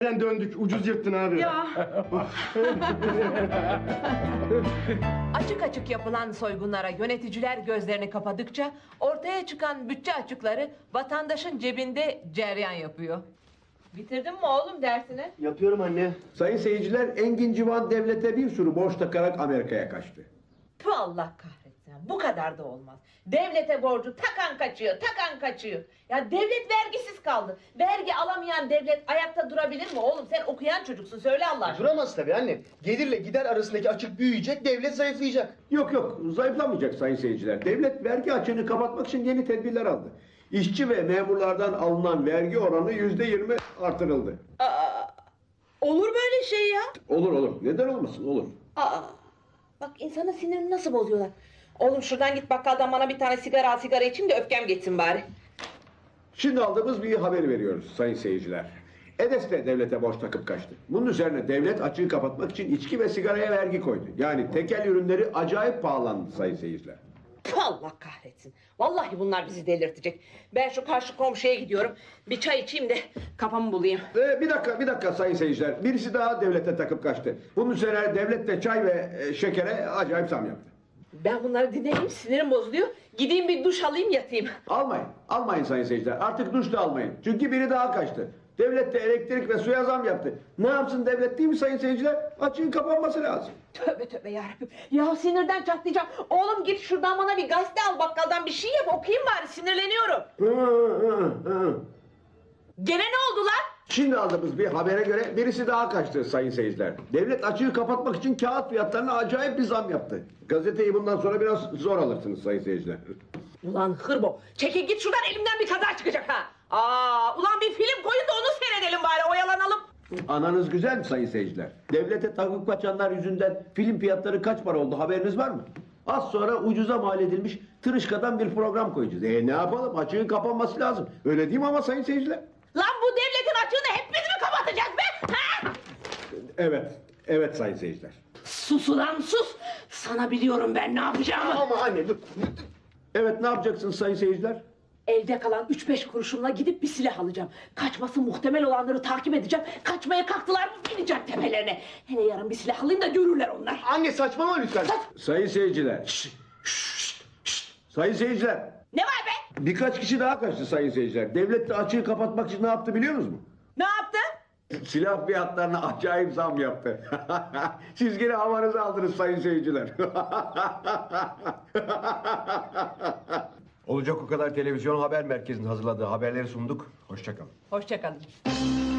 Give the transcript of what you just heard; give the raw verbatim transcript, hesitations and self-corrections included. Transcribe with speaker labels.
Speaker 1: döndük, ucuz yırttın abi.
Speaker 2: Ya. Açık açık yapılan soygunlara yöneticiler gözlerini kapadıkça ortaya çıkan bütçe açıkları vatandaşın cebinde cereyan yapıyor. Bitirdin mi oğlum dersini?
Speaker 1: Yapıyorum anne.
Speaker 3: Sayın seyirciler, Engin Civan devlete bir sürü borç takarak Amerika'ya kaçtı.
Speaker 2: Tüh, Allah kahretsin. Bu kadar da olmaz. Devlete borcu takan kaçıyor, takan kaçıyor. Ya devlet vergisiz kaldı. Vergi alamayan devlet ayakta durabilir mi oğlum? Sen okuyan çocuksun, söyle Allah aşkına.
Speaker 1: Duramaz tabii anne. Gelirle gider arasındaki açık büyüyecek, devlet zayıflayacak.
Speaker 3: Yok yok, zayıflamayacak sayın seyirciler. Devlet vergi açığını kapatmak için yeni tedbirler aldı. İşçi ve memurlardan alınan vergi oranı yüzde yirmi artırıldı.
Speaker 2: Aa, olur böyle şey ya.
Speaker 3: Olur olur, neden olmasın, olur.
Speaker 2: Aa, bak insanın sinirini nasıl bozuyorlar. Oğlum şuradan git bakkaldan bana bir tane sigara al, sigara içeyim de öfkem geçsin bari.
Speaker 3: Şimdi aldığımız bir haber veriyoruz sayın seyirciler. Edes de devlete borç takıp kaçtı. Bunun üzerine devlet açığı kapatmak için içki ve sigaraya vergi koydu. Yani tekel ürünleri acayip pahalandı sayın seyirciler.
Speaker 2: Tüh, Allah kahretsin. Vallahi bunlar bizi delirtecek. Ben şu karşı komşuya gidiyorum. Bir çay içeyim de kafamı bulayım.
Speaker 3: Ee, bir dakika, bir dakika sayın seyirciler. Birisi daha devlete takıp kaçtı. Bunun üzerine devlet de çay ve e, şekere acayip zam yaptı.
Speaker 2: Ben bunları dinleyeyim, sinirim bozuluyor. Gideyim bir duş alayım, yatayım.
Speaker 3: Almayın, almayın sayın seyirciler. Artık duş da almayın. Çünkü biri daha kaçtı. Devlet de elektrik ve suya zam yaptı. Ne yapsın devlet, değil mi sayın seyirciler? Açığın kapanması lazım.
Speaker 2: Tövbe tövbe yarabbim. Ya sinirden çatlayacağım. Oğlum git şuradan bana bir gazete al, bakkaldan bir şey yap, okuyayım bari, sinirleniyorum.
Speaker 3: Hı, hı, hı.
Speaker 2: Gene ne oldu lan?
Speaker 3: Şimdi aldığımız bir habere göre birisi daha kaçtı sayın seyirciler. Devlet açığı kapatmak için kağıt fiyatlarına acayip bir zam yaptı. Gazeteyi bundan sonra biraz zor alırsınız sayın seyirciler.
Speaker 2: Ulan hırbo, çekil git şuradan, elimden bir kaza çıkacak ha. Aa, ulan bir film koyun da onu seyredelim bari, oyalanalım.
Speaker 3: Ananız güzel mi sayın seyirciler? Devlete takıp kaçanlar yüzünden film fiyatları kaç para oldu, haberiniz var mı? Az sonra ucuza mal edilmiş tırışkadan bir program koyacağız. E ne yapalım, açığın kapanması lazım. Öyle değil mi ama sayın seyirciler?
Speaker 2: Lan bu devletin açığını hep biz mi kapatacağız be? Ha?
Speaker 3: Evet, evet sayın seyirciler.
Speaker 2: Sus ulan sus. Sana biliyorum ben ne yapacağımı.
Speaker 1: Ama anne dur.
Speaker 3: Evet, ne yapacaksınız sayın seyirciler?
Speaker 2: Elde kalan üç beş kuruşumla gidip bir silah alacağım. Kaçması muhtemel olanları takip edeceğim. Kaçmaya kalktılar mı bineceğim tepelerine. Hele yarın bir silah alayım da görürler onlar.
Speaker 1: Anne saçmalama lütfen.
Speaker 3: Sayın seyirciler. Şşt, şşt, şşt. Sayın seyirciler.
Speaker 2: Ne var be?
Speaker 3: Birkaç kişi daha kaçtı sayın seyirciler. Devlet de açığı kapatmak için ne yaptı biliyor musunuz mu?
Speaker 2: Ne yaptı?
Speaker 3: Silah fiyatlarına acayip zam yaptı. Siz yine havanızı aldınız sayın seyirciler. Olacak o kadar televizyon haber merkezinin hazırladığı haberleri sunduk. Hoşça kalın.
Speaker 2: Hoşça kalın.